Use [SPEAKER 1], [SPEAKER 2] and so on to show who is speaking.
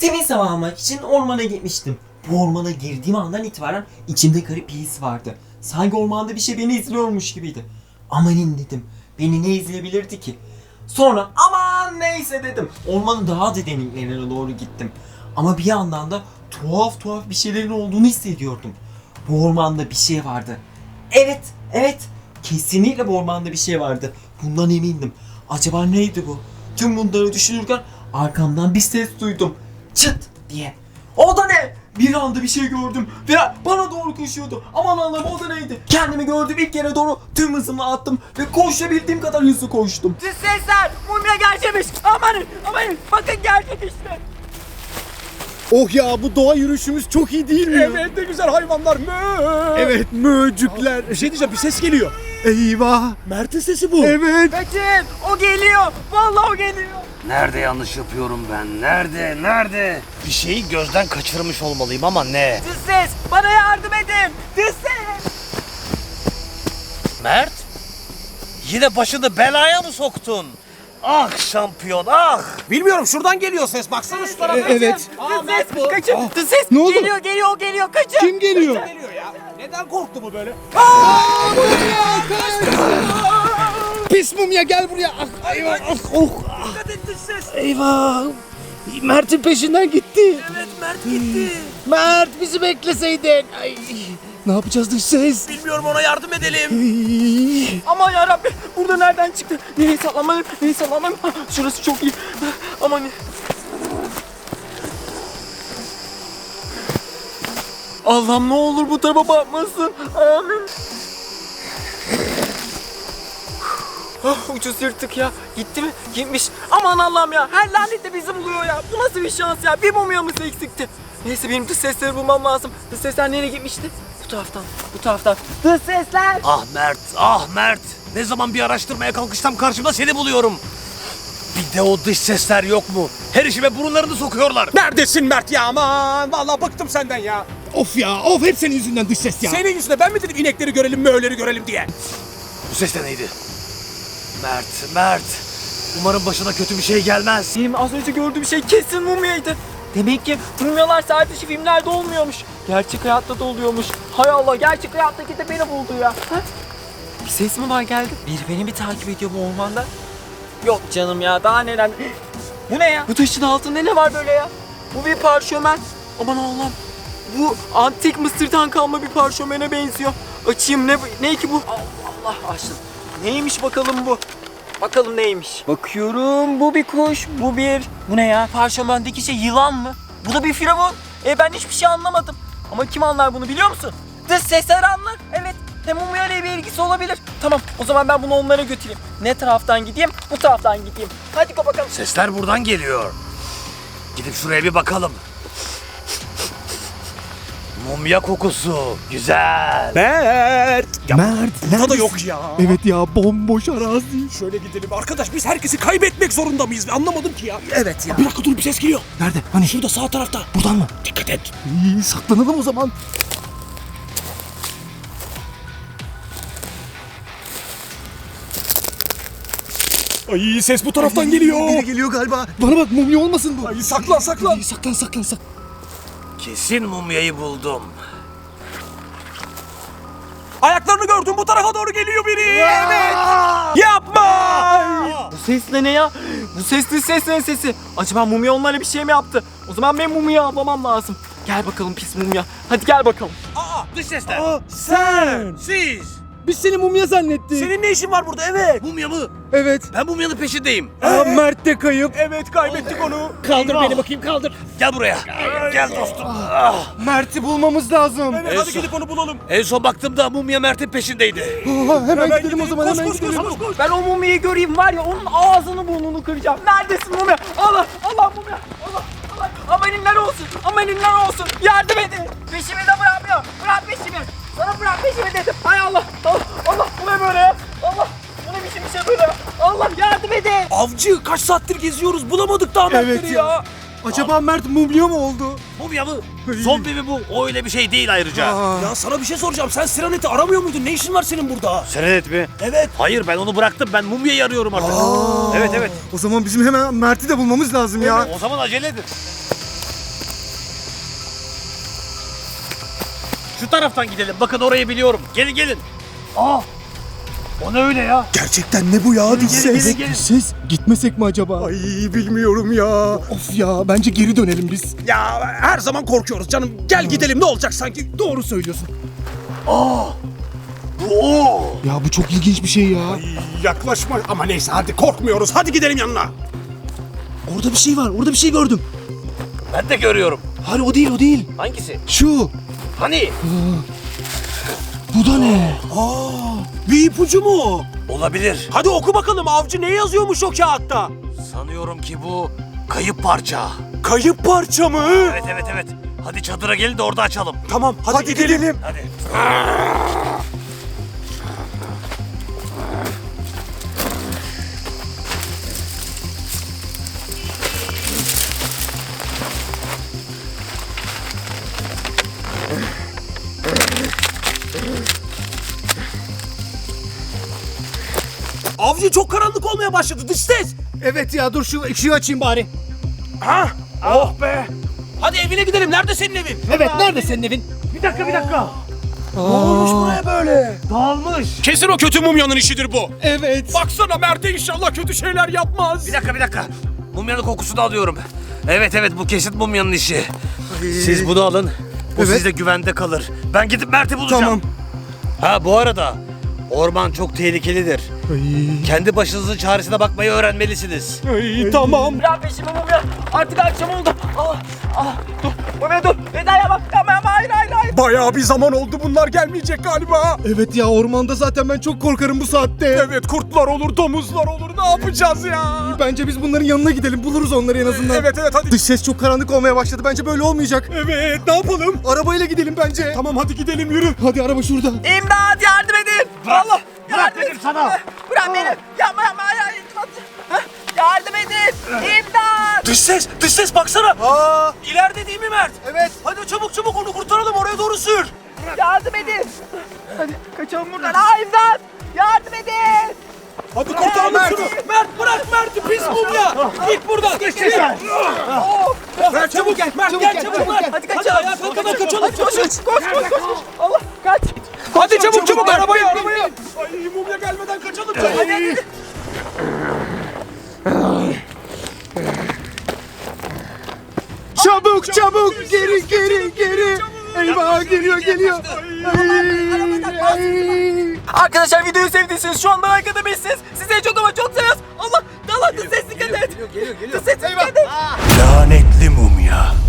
[SPEAKER 1] Temiz hava almak için ormana gitmiştim. Bu ormana girdiğim andan itibaren içimde garip bir his vardı. Sanki ormanda bir şey beni izliyormuş gibiydi. Amanin dedim. Beni ne izleyebilirdi ki? Sonra aman neyse dedim. Ormanın daha da derinliklerine doğru gittim. Ama bir yandan da tuhaf bir şeylerin olduğunu hissediyordum. Bu ormanda bir şey vardı. Evet. Kesinlikle bu ormanda bir şey vardı. Bundan emindim. Acaba neydi bu? Tüm bunları düşünürken arkamdan bir ses duydum. Çıt diye. O da ne? Bir anda bir şey gördüm ve bana doğru koşuyordu. Aman Allah'ım, o da neydi? Kendimi gördüm, ilk yere doğru tüm hızımla attım ve koşabildiğim kadar hızlı koştum.
[SPEAKER 2] Siz sesler! Mumya gerçekmiş! Amanın! Bakın gerçek işte!
[SPEAKER 3] Oh ya, bu doğa yürüyüşümüz çok iyi değil mi?
[SPEAKER 4] Evet, ne güzel hayvanlar. Mö.
[SPEAKER 3] Evet, möcükler.
[SPEAKER 4] Bir şey diyeceğim, bir ses geliyor.
[SPEAKER 3] Eyvah.
[SPEAKER 4] Mert'in sesi bu.
[SPEAKER 3] Evet.
[SPEAKER 2] Kaçın! O geliyor! Vallahi o geliyor!
[SPEAKER 5] Nerede yanlış yapıyorum ben? Nerede? Bir şeyi gözden kaçırmış olmalıyım ama ne?
[SPEAKER 2] Siz ses! Bana yardım edin! Siz ses!
[SPEAKER 5] Mert? Yine başını belaya mı soktun? Ah şampiyon ah!
[SPEAKER 4] Bilmiyorum, şuradan geliyor ses. Baksana şu tarafa.
[SPEAKER 3] Evet.
[SPEAKER 2] Siz ses! Kaçın! Siz ses!
[SPEAKER 3] Ne oldu?
[SPEAKER 2] Geliyor! Kaçın!
[SPEAKER 3] Kim geliyor?
[SPEAKER 4] Geliyor ya. Neden korktu bu böyle?
[SPEAKER 3] Pis mumya, gel buraya. Ah, eyvah. Ah, oh.
[SPEAKER 2] Dikkat et dış ses!
[SPEAKER 3] Eyvah. Mert'in peşinden gitti.
[SPEAKER 2] Evet, Mert gitti!
[SPEAKER 3] Mert, bizi bekleseydin. Ay, ne yapacağız dış ses?
[SPEAKER 2] Bilmiyorum, ona yardım edelim!
[SPEAKER 3] Ay.
[SPEAKER 2] Aman yarabbim! Burada nereden çıktı? Nereye sallamalıyım? Şurası çok iyi! Aman! Allah'ım, ne olur bu tarafa bakmasın! Amin! Ucuz yırttık ya. Gitti mi? Gitmiş. Aman Allah'ım ya. Her lanet de bizi buluyor ya. Bu nasıl bir şans ya? Bir mumyamız eksikti. Neyse, benim dış sesleri bulmam lazım. Dış sesler nereye gitmişti? Bu taraftan. Dış sesler!
[SPEAKER 5] Ah Mert! Ne zaman bir araştırmaya kalkışsam karşımda seni buluyorum. Bir de o dış sesler yok mu? Her işime burunlarını sokuyorlar.
[SPEAKER 4] Neredesin Mert ya? Aman! Vallahi bıktım senden ya.
[SPEAKER 3] Of ya, of, hep senin yüzünden dış ses ya.
[SPEAKER 4] Senin yüzüne ben mi dedim inekleri görelim, möğleri görelim diye?
[SPEAKER 5] Bu ses de neydi? Mert! Umarım başına kötü bir şey gelmez.
[SPEAKER 2] Benim az önce gördüğüm şey kesin mumyaydı. Demek ki mumyalar sadece filmlerde olmuyormuş. Gerçek hayatta da oluyormuş. Hay Allah, gerçek hayattaki de beni buldu ya. Ha? Bir ses mi var geldi? Biri beni mi takip ediyor bu ormanda? Yok canım ya, daha neler. Bu ne ya? Bu taşın altında ne var böyle ya? Bu bir parşömen. Aman Allah'ım. Bu antik Mısır'dan kalma bir parşömene benziyor. Açayım, ne ki bu? Allah açtım. Neymiş bakalım bu? Bakalım neymiş? Bakıyorum, bu bir kuş, bu ne ya? Parşömendeki şey yılan mı? Bu da bir firavun. Ben hiçbir şey anlamadım. Ama kim anlar bunu, biliyor musun? Dış sesler anlar. Evet. Hem mumya ile bir ilgisi olabilir. Tamam, o zaman ben bunu onlara götüreyim. Ne taraftan gideyim? Bu taraftan gideyim. Hadi bakalım.
[SPEAKER 5] Sesler buradan geliyor. Gidip şuraya bir bakalım. Mumya kokusu. Güzel.
[SPEAKER 4] Mert! Ya
[SPEAKER 3] Mert,
[SPEAKER 4] burada da yok ya.
[SPEAKER 3] Evet ya, bomboş arazi.
[SPEAKER 4] Şöyle gidelim. Arkadaş, biz herkesi kaybetmek zorunda mıyız? Anlamadım ki ya.
[SPEAKER 3] Evet ya.
[SPEAKER 4] Bir dakika dur, bir ses geliyor.
[SPEAKER 3] Nerede? Hani?
[SPEAKER 4] Şurada sağ tarafta.
[SPEAKER 3] Buradan mı?
[SPEAKER 4] Dikkat et.
[SPEAKER 3] İyi, saklanalım o zaman.
[SPEAKER 4] Ay, ses bu taraftan geliyor.
[SPEAKER 3] Biri geliyor galiba. Bana bak, mumya olmasın bu.
[SPEAKER 4] Ay, saklan.
[SPEAKER 3] İyi, saklan.
[SPEAKER 5] Kesin mumyayı buldum.
[SPEAKER 4] Ayaklarını gördüm, bu tarafa doğru geliyor biri. Evet. Yapma.
[SPEAKER 2] Bu ses ne ya? Bu sesli seslerin sesi. Acaba mumya onlara bir şey mi yaptı? O zaman ben mumyayı avlamam lazım. Gel bakalım pis mumya. Hadi gel bakalım.
[SPEAKER 5] Dış sesler.
[SPEAKER 3] Sen.
[SPEAKER 5] Siz.
[SPEAKER 3] Biz seni mumya zannettik.
[SPEAKER 4] Senin ne işin var burada? Evet.
[SPEAKER 5] Mumya mı?
[SPEAKER 3] Evet.
[SPEAKER 5] Ben mumyanın peşindeyim.
[SPEAKER 3] Mert de kayıp.
[SPEAKER 4] Evet, kaybettik onu.
[SPEAKER 3] Kaldır beni bakayım, kaldır.
[SPEAKER 5] Gel buraya. Gel dostum.
[SPEAKER 3] Mert'i bulmamız lazım.
[SPEAKER 4] Evet, hadi gidip onu bulalım.
[SPEAKER 5] En son baktığımda mumya Mert'in peşindeydi.
[SPEAKER 3] Hemen gidelim o zaman, hemen
[SPEAKER 4] Koş,
[SPEAKER 3] gidelim.
[SPEAKER 4] koş.
[SPEAKER 2] Ben o mumyayı göreyim var ya, onun ağzını burnunu kıracağım. Neredesin mumya? Allah mumya. Allah. Amaninler olsun. Yardım edin. Peşimi de bırakmıyor. Bırak peşimi. Sana bırak peşimi dedim. Hay Allah. Allah, bu ne böyle ya? Allah, bu ne biçim bir şey böyle? Allah, yardım edin.
[SPEAKER 4] Avcı, kaç saattir geziyoruz, bulamadık daha Mertleri
[SPEAKER 3] Evet ya. Acaba Mert mumya mı oldu?
[SPEAKER 5] Mumya mı? Zombi mi bu? O öyle bir şey değil ayrıca.
[SPEAKER 4] Ya sana bir şey soracağım, sen Siranet'i aramıyor muydun? Ne işin var senin burada?
[SPEAKER 5] Serenet mi?
[SPEAKER 4] Evet.
[SPEAKER 5] Hayır, ben onu bıraktım. Ben mumyayı arıyorum artık. Evet.
[SPEAKER 3] O zaman bizim hemen Mert'i de bulmamız lazım ya.
[SPEAKER 5] O zaman acele edin. Şu taraftan gidelim. Bakın orayı biliyorum. Gelin gelin. Aa! O ne öyle ya?
[SPEAKER 3] Gerçekten ne bu ya? Dış ses.
[SPEAKER 5] gelin, gelin.
[SPEAKER 3] Dış ses. Gitmesek mi acaba?
[SPEAKER 4] Ay bilmiyorum ya.
[SPEAKER 3] Of ya, bence geri dönelim biz.
[SPEAKER 4] Ya her zaman korkuyoruz canım. Gel gidelim ne olacak sanki.
[SPEAKER 3] Doğru söylüyorsun.
[SPEAKER 5] Bu o.
[SPEAKER 3] Ya bu çok ilginç bir şey ya.
[SPEAKER 4] Yaklaşma ama neyse hadi korkmuyoruz. Hadi gidelim yanına.
[SPEAKER 3] Orada bir şey var. Orada bir şey gördüm.
[SPEAKER 5] Ben de görüyorum.
[SPEAKER 3] Hayır, o değil, o değil.
[SPEAKER 5] Hangisi?
[SPEAKER 3] Şu.
[SPEAKER 5] Hani?
[SPEAKER 3] Bu da ne?
[SPEAKER 4] Bir ipucu mu o?
[SPEAKER 5] Olabilir.
[SPEAKER 4] Hadi oku bakalım avcı ne yazıyormuş o kağıtta?
[SPEAKER 5] Sanıyorum ki bu kayıp parça.
[SPEAKER 4] Kayıp parça mı?
[SPEAKER 5] Evet evet evet. Hadi çadıra gelin de orada açalım.
[SPEAKER 4] Tamam hadi gidelim.
[SPEAKER 5] Hadi.
[SPEAKER 4] Avcı çok karanlık olmaya başladı dış ses.
[SPEAKER 3] Evet ya, dur şu ışığı açayım bari.
[SPEAKER 4] Ha? Oh be. Hadi evine gidelim. Nerede senin evin?
[SPEAKER 3] Evet, nerede senin evin?
[SPEAKER 5] Bir dakika.
[SPEAKER 4] Ne olmuş buraya böyle?
[SPEAKER 5] Dağılmış.
[SPEAKER 4] Kesin o kötü mumyanın işidir bu.
[SPEAKER 3] Evet.
[SPEAKER 4] Baksana Mert'e inşallah kötü şeyler yapmaz.
[SPEAKER 5] Bir dakika. Mumyanın kokusunu alıyorum. Evet bu kesin mumyanın işi. Siz bunu alın. Bu
[SPEAKER 3] Evet.
[SPEAKER 5] sizde güvende kalır. Ben gidip Mert'i bulacağım.
[SPEAKER 3] Tamam.
[SPEAKER 5] Ha bu arada orman çok tehlikelidir. Kendi başınızın çaresine bakmayı öğrenmelisiniz.
[SPEAKER 4] Ay, tamam.
[SPEAKER 2] Bırak peşimi Mumya. Artık akşam oldu. Dur. Mumya dur. Veda'ya bak. Tamam hayır.
[SPEAKER 4] Bayağı bir zaman oldu bunlar gelmeyecek galiba.
[SPEAKER 3] Evet ya, ormanda zaten ben çok korkarım bu saatte.
[SPEAKER 4] Evet kurtlar olur, domuzlar olur. Ne yapacağız ya?
[SPEAKER 3] Bence biz bunların yanına gidelim. Buluruz onları en azından.
[SPEAKER 4] Evet hadi.
[SPEAKER 3] Dış ses çok karanlık olmaya başladı. Bence böyle olmayacak.
[SPEAKER 4] Evet ne yapalım?
[SPEAKER 3] Arabayla gidelim bence.
[SPEAKER 4] Tamam hadi gidelim yürü.
[SPEAKER 3] Hadi araba şurada.
[SPEAKER 2] İmdat yardım edin. Allah.
[SPEAKER 5] Bırak dedim sana.
[SPEAKER 2] Bırak beni. Yapma hayır. İmdat. Yardım edin. İmdat.
[SPEAKER 4] Dış ses baksana.
[SPEAKER 3] Aa,
[SPEAKER 4] İleride değil mi Mert?
[SPEAKER 3] evet.
[SPEAKER 4] Hadi çabuk onu kurtaralım oraya doğru sür.
[SPEAKER 2] Yardım edin. Hadi kaçalım buradan. İmdat. Yardım edin.
[SPEAKER 4] Hadi kurtaralım
[SPEAKER 2] Mert.
[SPEAKER 4] şunu. Mert bırak Mert'i pis mumya. Git buradan. Geç Mert çabuk gel. Mert gel çabuk Mert.
[SPEAKER 2] Hadi kaçalım.
[SPEAKER 4] Ayağa kalkana kaçalım.
[SPEAKER 2] Koş. Allah kaç.
[SPEAKER 4] Hadi çabuk arabaya. Ay mumya gelmeden kaçalım.
[SPEAKER 2] Hadi.
[SPEAKER 3] Çabuk geri. Eyvah, geliyor. Ay.
[SPEAKER 2] Arkadaşlar videoyu sevdiyseniz şu anda like atabilirsiniz. Size çok ama çok seviyoruz. Allah dikkat et. Geliyor. Dış ses dikkat et.
[SPEAKER 5] Lanetli mumya.